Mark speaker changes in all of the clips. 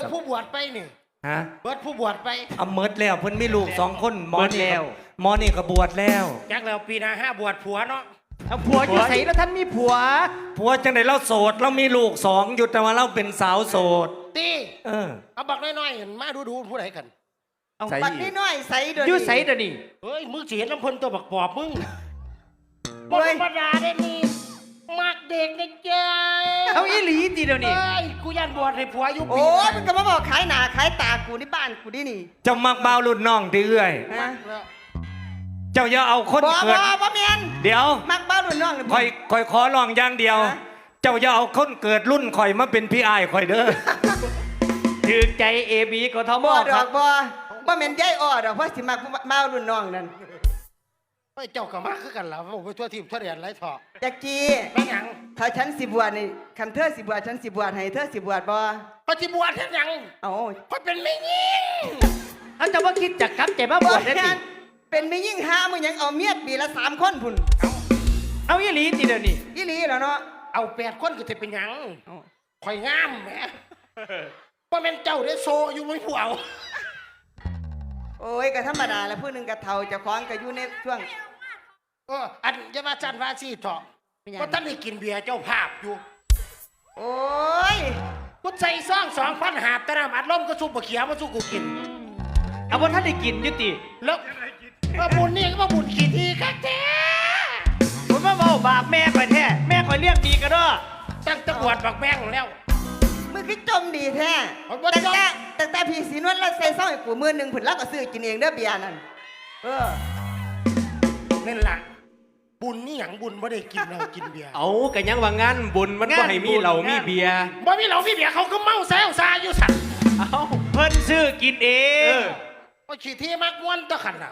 Speaker 1: ผู้บวชไปนี่
Speaker 2: ฮะ
Speaker 1: เบิดผู้บวชไป
Speaker 2: เอาเมิดแล้วเพิ่นมีลูก2คนหมอนี่ก็บวชแล้ว
Speaker 1: จักแล้วปีหน้า5บวชผัวเนาะ
Speaker 3: เอาผัวอยู่ใส่แล้วท่านมีผัว
Speaker 2: จังได๋เราโสดเรามีลูก2อยู่แต่ว่าเราเป็นสาวโสด
Speaker 1: ตีเอาบักน้อยๆเห็นมาดูผู้ใดกัน
Speaker 3: เอาบักน้อยๆใส่เด้ออยู่ใส่เด้อนี่
Speaker 1: เฮ้ยมึงสิเห็นลำเพิ่นตัวบักปอบมึงบ่ธรรมดาเด้นี่มักเด็กนะจ๊ะ
Speaker 3: เอาอีหลีติเดี๋ยวนี้
Speaker 1: เฮ้ยกูยันบวชให้ผัวอยู่ปี
Speaker 4: โอ้ยมันก็มาบอกขายหน้าขายตากูที่บ้านกูดินี่
Speaker 2: เจ้ามักบ่าวรุ่นน้องติเอื้อยเจ้าอย่าเอาคนเกิด
Speaker 4: บ่แม่น
Speaker 2: เดี๋ยว
Speaker 4: มักบ่าวรุ่นน้อง
Speaker 2: ข่อยขอร้องอย่างเดียวเจ้าอย่าเอาคนเกิดรุ่นข่อยมาเป็นพี่อ้ายข่อยเด้อ
Speaker 3: ถือใจ AB กทม
Speaker 4: ครับบ่แม่นยายอ้อดอกเพราะสิมักบ่าวรุ่นน้องนั่น
Speaker 1: เฮ้ยเจ้าก็มาคือกันล่ะผมไปทั่วทีมทั่วเรียนไรเถาะ
Speaker 4: จักจี
Speaker 1: เป็นหยัง
Speaker 4: ถ้าฉันสิบวชนี่คันเธอสิบวชฉันสิบวชให้เธอสิบวชบ่
Speaker 1: พอสิบวชเฮ็ดหยัง
Speaker 4: เอ้า
Speaker 1: พอเป็นแม่ยิง
Speaker 3: เอาจะบ่คิดจักกลับใจมาบวชได้ติ
Speaker 4: เป็นแม่ยิ่งหามึงยังเอาเมียปีละ3คนพุ่น
Speaker 3: เอาอีหลีติเดี๋ยวนี้
Speaker 4: อีหลีแล้วเนาะ
Speaker 1: เอา8คนก็สิเป็นหยังข่อยงามแหมบ่แม่นเจ้าได้โซอยู่ไม่ผู้เอา
Speaker 4: โอ้ยก็ธรรมดาแล้วผู้นึงก็เฒ่าเจ้าของก็อยู่ในช่วง
Speaker 1: อันจะมาจันว่าสิเถาะก็ท่านได้กินเบียร์เจ้าภาพอยู่
Speaker 4: โอ้ย
Speaker 1: กูใส่ซอง2,000หาบแต่น้ำอัดลมก็ซุปบะเขียวมาสู้กูกิน
Speaker 3: เอาบ่ท่านได้กินอยู่ติ
Speaker 1: แล้วมาบุญนี่ก็มาบุญกี่ทีครับแท้
Speaker 3: ผมมาเว้าบาปแม่ข่อยแท้แม่ข่อยเลี้ยงดีกะเด้อ
Speaker 1: ตั้งตะบวดบักแม่งแล้ว
Speaker 4: มึงคือจมดีแท้แต่พี่สีนวลแล้วใส่ซองให้กูมื้อนึงพุ่นแล้วก็ซื้อกินเองเด้อเบียร์นั่น
Speaker 1: นั่นล่ะบุญนี่หยังบุญบ่ได้กินเรากินเบียร์
Speaker 2: เอาก็ยังว่างั้นบุญมันบ่ให้มีเหล้ามีเบียร์
Speaker 1: บ่มีเหล้ามีเบียร์เขาก็เมาแซวซาอยู่สั่น
Speaker 3: เอาเพิ่นซื้อกินเอง
Speaker 1: ว่าขี้ที่มักม่วนตะขันน่ะ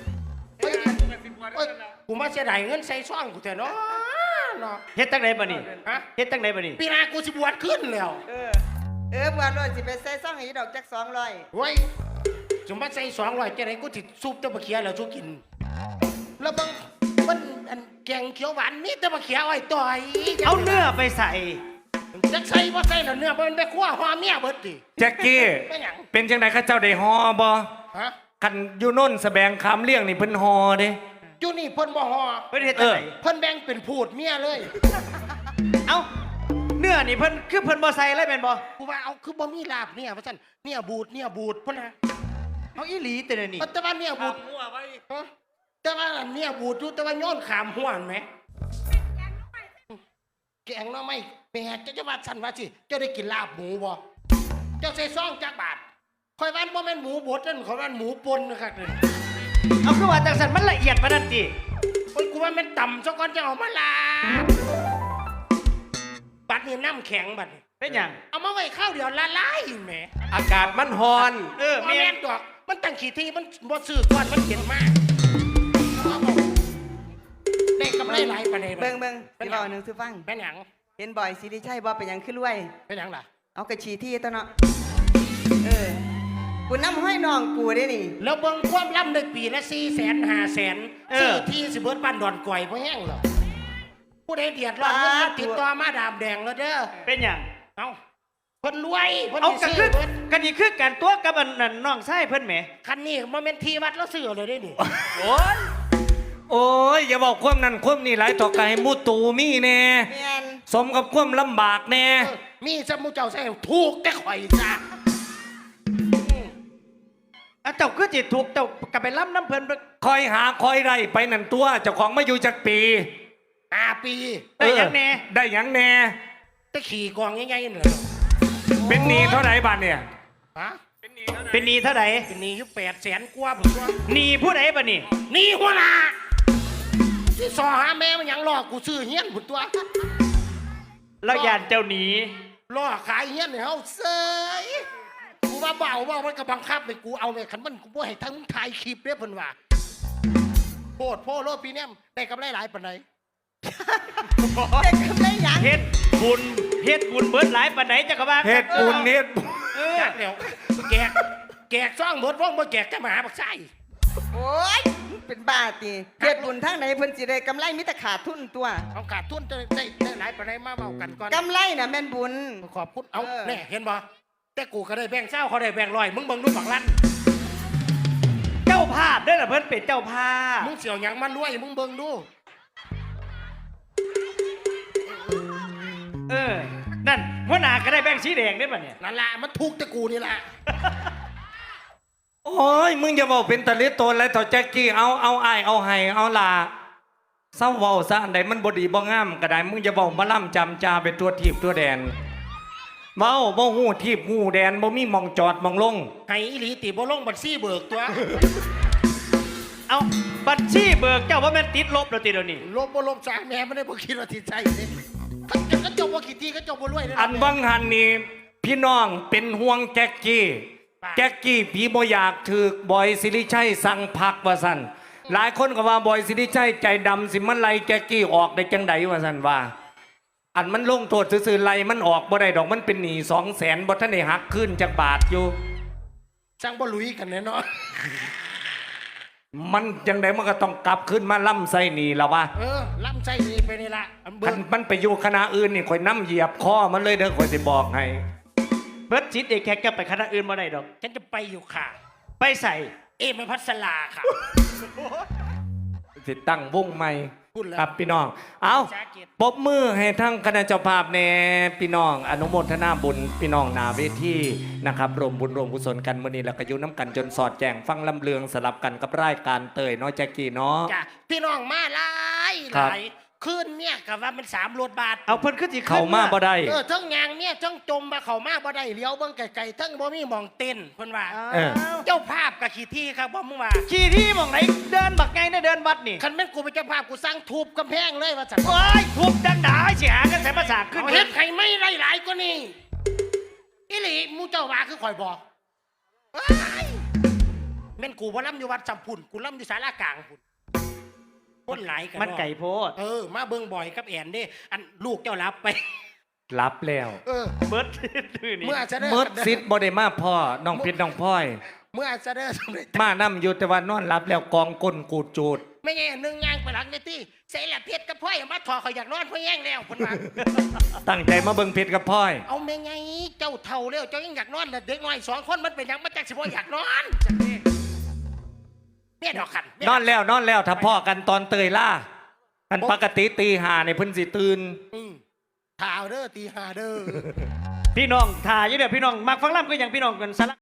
Speaker 1: กูมาเสียดายเงินใส่ซ่องกูแท้เนาะ
Speaker 3: เฮ็ดจังได๋บัดนี้เฮ็ดจังได๋บัดนี้
Speaker 1: ปีหน้ากูสิบวชขึ้นแล้ว
Speaker 4: บวชเลยสิไปใส่ซ่องให้ดอกจัก200
Speaker 1: เฮ้ยสมบัติใส่200จังได๋กูสิซุปตะบะเขียแล้วสู้กินแล้วบังมันอันแกงเขียวหวานนี่แต่บะเขียวไอ้ต่อย
Speaker 3: เอาเนื้อไปใส่
Speaker 1: จักใส่บ่ใส่แล้วเนื้อมันไปคั่วห่อเมียเบิดดิ
Speaker 2: แจ็คกี้เป็นจังได๋ข้าเจ้าได้ห่อบ่คันอยู่โน่นแสบงคำเลี้ยงนี่เพิ่นห่อเด้
Speaker 1: อยู่นี่เพิ่นบ่ห่อ
Speaker 3: เพิ่นเฮ็ดจังได๋
Speaker 1: เพิ่นแบ่งเป็นพูดเมียเลย
Speaker 3: เอ้าเนื้อนี่เพิ่นคือเพิ่นบ่ใส่เลยแม่นบ่
Speaker 1: กูว่าเอาคือบ่มีลาบเนี่ยว่าซั่นเนี่ยบูดพุ่นน่ะ
Speaker 3: เอาอีหลีแต่นี่
Speaker 1: แต่ว่าเนี่ยบูดหัวไว้แต่ว่าเนี่ยบูดอยู่แต่ว่าย้อนขามหัวหั่นแหมแกงเนาะไม่แม่จะว่าซั่นว่าสิเจ้าได้กินลาบหมูบ่เจ้าใส่ซองจักบาทข่อยว่าบ่แม่นหมูบดนั่นข่อยว่าหมูป่นนะครับเลย
Speaker 3: เอาคือว่าจังซั่นมันละเอียดปานนั้นติ
Speaker 1: โอ้ยกูว่ามันต่ำซะก่อนจะเอามาลาบัดนี้น้ำแข็งบัดนี้
Speaker 3: เป็นหยัง
Speaker 1: เอามาไว้ข้าวเดียวละลายแหม
Speaker 2: อากาศมันร้อน
Speaker 1: แม่นดอกมันตั้งขี้ที่มันบ่ซื้อก่อนมันเห็นมากได้กำไรหลายปานใด
Speaker 4: เบิ่งสิเว้านึงสิฟัง
Speaker 1: เป็นหยัง
Speaker 4: เห็นบ่อยสิริชัยบ่เป็นหยังคือรวย
Speaker 1: เป็นหยังล่ะ
Speaker 4: เอากระฉีที่ตะเนาะกูนำห้อยน้องกูได้นี่
Speaker 1: แล้วเบิ่งความล่ำในปีละ400,000 500,000ซื้อที่สิเบิดบ้านดอนก่อยบ่แห้งหรอกผู้ใดเดือดร้อนเงินมาติดต่อมาดามแดงแล้วเด้อ
Speaker 3: เป็นหยัง
Speaker 1: เอาเพิ่นรวยเพิ่น
Speaker 3: เอากันนี่คือการตัวกับอันนั้นน้องชายเพิ่นแหม
Speaker 1: คันนี้บ่แม่นที่วัดแล้วซื้อเลยได้นี่
Speaker 2: โอ้ยอย่าบอกความนั้นความนี้หลายต่อไกลมูตูมีแน่สมกับความลำบากแน่
Speaker 1: มีสมุเจ้าใส่ถูกแต่ข่อยจ้ะ
Speaker 3: เจ้าคือจิตถูกเจ้ากับไปล้ำน้ำเพลิน
Speaker 2: คอยหาคอยไรไปนั่นตัวเจ้าของมาอยู่จักปี
Speaker 1: 5 ปี
Speaker 3: ได้ยังแน่
Speaker 2: ได้ยังแน่
Speaker 1: ตะขี่กองง่ายๆเลย
Speaker 2: เป็นหนี้เท่าไหร่บาทเนี่ย
Speaker 1: ฮะ
Speaker 3: เป็นหนี้เท่าไหร่
Speaker 1: เป็นหนี้อยู่800,000 กว่าผมว่า
Speaker 3: หนี้ผู้ใดบ้านี่
Speaker 1: หนี้หัวหน้าที่สอหาแม่มันยังหลอกกูซื้อเฮี้ยนผมตัว
Speaker 3: เรายานเจ้าหนี
Speaker 1: หลอกขายเฮี้ยนเนี่ยเขาเซยกูว่าเบามันก็บังคับไปกูเอาเลยขันมันกูให้ทั้งถ่ายคลิปเรียบเพิ่นว่าโพดโพโลปีนี้ได้กำไรหลายปานใด
Speaker 4: ได้กำไรหยัง
Speaker 3: เฮ็ดบุญเบิดหลายปานใดจักว่า
Speaker 2: เฮ็ดบุญ
Speaker 1: จักแล้วแกกซ่องเบิดว่องบ่แกกจะมาหาบักไส้
Speaker 4: โอ้ยเป็นบ้าติเฮ็ดบุญทางไหนเพิ่นสิได้กำไรมีแต่ขาดทุนตัว
Speaker 1: เอาขาดทุนจะได้หลายปานใดมาเว้ากันก่อน
Speaker 4: กำไรน่ะแม่นบุญ
Speaker 1: ขอบคุณเอาแน่เห็นบ่แต่กูก็ได้แบ่งเศร้าเขาได้แบ่งร้อยมึงเบิ่งดูบักลั่น
Speaker 3: เจ้าภาพเด้อล่ะเพิ่นเป็นเจ้าภาพ
Speaker 1: มึงเสี่ยวหยังมันรวยมึงเบิ่งดู
Speaker 3: นั่นหัวหน้าก็ได้แบ่งสีแดงได้ป่ะเนี่ย
Speaker 1: นั่นละมันทุกข์แต่กูนี่แหละ
Speaker 2: โอ้ยมึงอย่าบอกเป็นตะลิโตนอะไรต่อแจ็คกี้เอาไอายเอาไห้เอาลาเศร้าเว้าซะอันใดมันบ่ดีบ่งามก็ได้มึงอย่าบอกมาล่ำจำจาเป็นตัวทีบตัวแดนเมาบ่ฮู้ทีบฮู้แดนบ่มีหมองจอดหมองลง
Speaker 1: ไห้อีหลีติบ่ลงบัญชีเบิกตัว
Speaker 3: เอาบัญชีเบิกเจ้าว่าแม่นติดลบแล้วติเดี๋ยวนี้
Speaker 1: ลบบ่ลบจากแม่ไม่ได้บ่คิดว่าติดใจเด้ก็จบบ่กี่ทีก็จบบ่รวยเด้
Speaker 2: อันบังหันนี่พี่น้องเป็นห่วงแจ็คกี้แจ็คกี้พี่บ่อยากถือบอยสิริชัยสั่งพักว่าซั่นหลายคนก็ว่าบอยสิริชัยใจดำสิมันไล่แจ็คกี้ออกได้จังใดว่าซั่นว่า อันมันลงโทษซื่อๆไล่มันออกบ่ได้ดอกมันเป็นหนี้200,000บ่ทันได้หักคืนจักบาทอยู่
Speaker 1: จังบ่ลุยกันแน่นอน
Speaker 2: มันจังไดมันก็ต้องกลับขึ้นมาล่ำไส้หนีแล้ววะ
Speaker 1: ล้ำใจนี่ไปนี่ละอันเบิ
Speaker 2: คั
Speaker 1: ก
Speaker 2: นมันไปอยู่คณะอื่นนี่ข่อยน้ำเหยียบคอมันเลยเด้อข่อยสิบอกให้
Speaker 3: เบิร์ดจิตเอกแขกจะไปคณะอื่นมาได้ดอก
Speaker 1: ฉันจะไปอยู่ค่ะ
Speaker 3: ไปใส่
Speaker 1: มันพัสลาค่ะ
Speaker 2: สิตั้งวงใหม่
Speaker 1: พูดแล้ว
Speaker 2: ครับพี่น้องเอา
Speaker 1: ชาเกียรติ
Speaker 2: ปรบมือให้ทั้งคณะเจ้าภาพแน่พี่น้องอนุโมทนาบุญพี่น้องนาเวทีนะครับรวมบุญรวมกุศลกันมื้อนี้แล้วก็อยู่น้ำกันจนสอดแจงฟังลำเลืองสลับกันกับรายการเตยเนาะแจ็คกี้เนาะ
Speaker 1: จ้ะพี่น้องมาหลายห
Speaker 2: ครับ
Speaker 1: ลายคืนเนี่ยกับว่ามัน3 รถบาท
Speaker 3: เอาเพิ่นขึ้นสิ
Speaker 2: เข้ามาบ่ได้
Speaker 1: ทั้งยางเนี่ยทั้งจมมาเข้ามาบ่ได้เลี้ยวเบิ่งไกลๆทั้งบ่มีหมองเต้นเพิ่นว่า
Speaker 2: เออ
Speaker 1: เจ้าภาพกับขี้ที่ครับบ่มึงว่า
Speaker 3: ขี่ที่หมองไหนเดินบักไงได้เดินวัดนี่
Speaker 1: คันแม่นกูเป็นเจ้าภาพกูสร้างทูบกำแพงเลยว่าจัง
Speaker 3: โอ้ยทุบดังดาเสียกันใส่ภาษาขึ้น
Speaker 1: เอาเฮ็ดให้ไม่หลายๆกว่านี้อีหลีหมู่เจ้าว่าคือข่อยบอกว้ายแม่นกูบ่ล่ำอยู่วัดจำพุ่นกูล่ำอยู่ศาลากลางพุ่นคนหลายกัน
Speaker 3: มันไก่โพด
Speaker 1: มาเบิ่งบ่อยกับแอนเด้อันลูกเจ้ารับไป
Speaker 2: รับแล้ว
Speaker 3: เบิร์ดดื้อนี่
Speaker 1: เมื่อจะได้
Speaker 2: เมิดซิดบ่ได้มาพ่อน้องเพชรน้องพลอย
Speaker 1: เมื่อจะได้สำเร็จ
Speaker 2: มานํอยู่แต่ว่านอนรับแล้วกองก้นกูดจูด
Speaker 1: ไม่ไงหนึ่งย่างไปหลังเลยที่ใส่ละเพชรกับพ่อยมาถอเขาอยากนอนพ่อแย่งแล้วคนมา
Speaker 2: ตั้งใจมาเบิ่งเพชรกับพลอย
Speaker 1: เอาไม่ไงเจ้าเท่าแล้วเจ้ายังอยากนอนเลยเด็กน้อย2 คนมันเป็นยังมาจากสิบ่อยากนอนจังนี้แม่ดอกขัน
Speaker 2: นอนแล้วถ้าพ่อกันตอนเตยล่ากันปกติตีหาในพื้นสิตื่น
Speaker 1: ข่าวเด้อตี 5เด้อ
Speaker 3: พี่น้องถ่ายอยู่เดี๋ยวพี่น้องมักฟังล่ำก็อย่างพี่น้องกันสละ